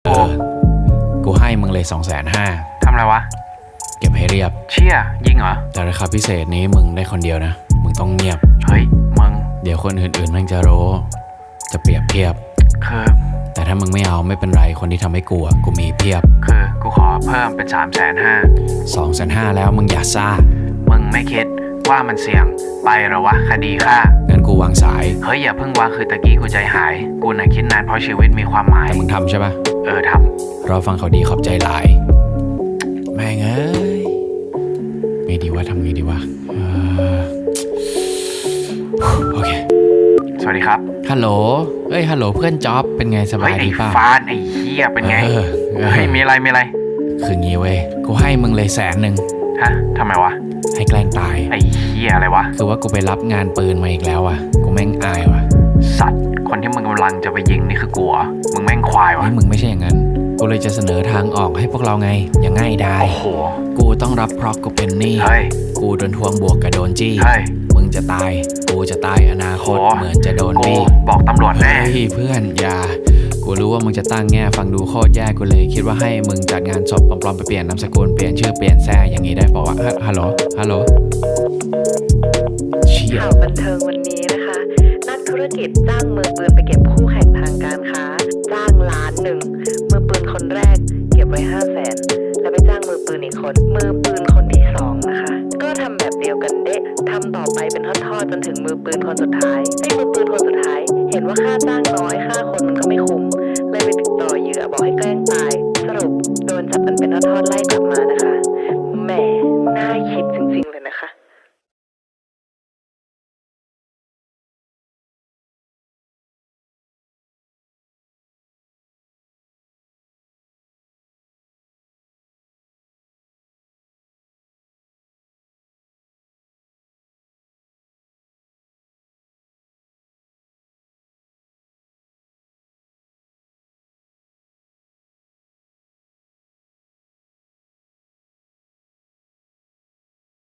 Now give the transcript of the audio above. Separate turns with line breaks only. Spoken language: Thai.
กู
กูให้มึงเลย250,000
ทำอะไรวะ
เก็บให้เรียบ
เชี่ยยิงเหรอ
แต่ราคาพิเศษนี้มึงได้คนเดียวนะมึงต้องเงียบ
เฮ้ยมึง
เดี๋ยวคนอื่นๆแม่งจะรู้จะเปรียบเทียบ
คือ
แต่ถ้ามึงไม่เอาไม่เป็นไรคนที่ทำให้กูมีเพียบ
คือกูขอเพิ่มเป็น
250,000แล้วมึงอย่าซ่า
มึงไม่คิดว่ามันเสี่ยงไปหรอวะคดีฆ่า
งั้นกูวางสาย
เฮ้ยอย่าเพิ่งวางคือตะกี้กูใจหายกูน่ะคิดนานเพราะชีวิตมีความหมาย
แต่มึงทำใช่ปะ
ทำ
รอฟังเขาดีขอบใจหลายแม่งเอ้ยไม่ดีว่าทำไงดีวะโอเค
สวัสดีครับ
ฮัลโหลฮัลโหลเพื่อนจ๊อบเป็นไงสบายดีป่ะ
ไอ้ฟานไอ้เหี้ยเป็นไงเฮ้ยมีอะไร
คืองี้เว้ยกูให้มึงเลย100,000
ฮะทำไมวะ
ให้แกล้งตาย
ไอ้เหี้ยอะไรวะ
คือว่ากูไปรับงานปืนมาอีกแล้วอ่ะกูแม่งอายว่ะ
สัตว์คนที่มึงกำลังจะไปยิงนี่คือกูเหรอมึงแม่งควายวะ
มึงไม่ใช่อย่างนั้นกูเลยจะเสนอทางออกให้พวกเราไงอย่างง่ายดาย
โอ้โห
กูต้องรับเพราะกูเป็นหนี้กูโดนทวงบวกกับโดนจี้มึงจะตายกูจะตายอนาคตเหมือนจะโดนบี้
บอกตำรวจแน่
เพื่อนอย่ากูรู้ว่ามึงจะตั้งแง่ฟังดูโคตรแย่กูเลยคิดว่าให้มึงจัดงานศพปลอมๆไปเปลี่ยนนามสกุลเปลี่ยนชื่อเปลี่ยนแซ่อย่างนี้ได้ป่าววะฮัลโหล
ข่าวบันเทิงวันนี้นะคะนักธุรกิจจ้างมือปืนไปเก็บคู่แข่งทางการค้าจ้าง1,000,000มือปืนคนแรกเก็บไว้500,000แล้วไปจ้างมือปืนอีกคนมือปืนคนที่2นะคะก็ทำแบบเดียวกันเด๊ะทำต่อไปเป็นทอดๆจนถึงมือปืนคนสุดท้ายให้มือปืนคนสุดท้ายเห็นว่าค่าจ้างน้อยค่าคนมันก็ไม่คุ้ม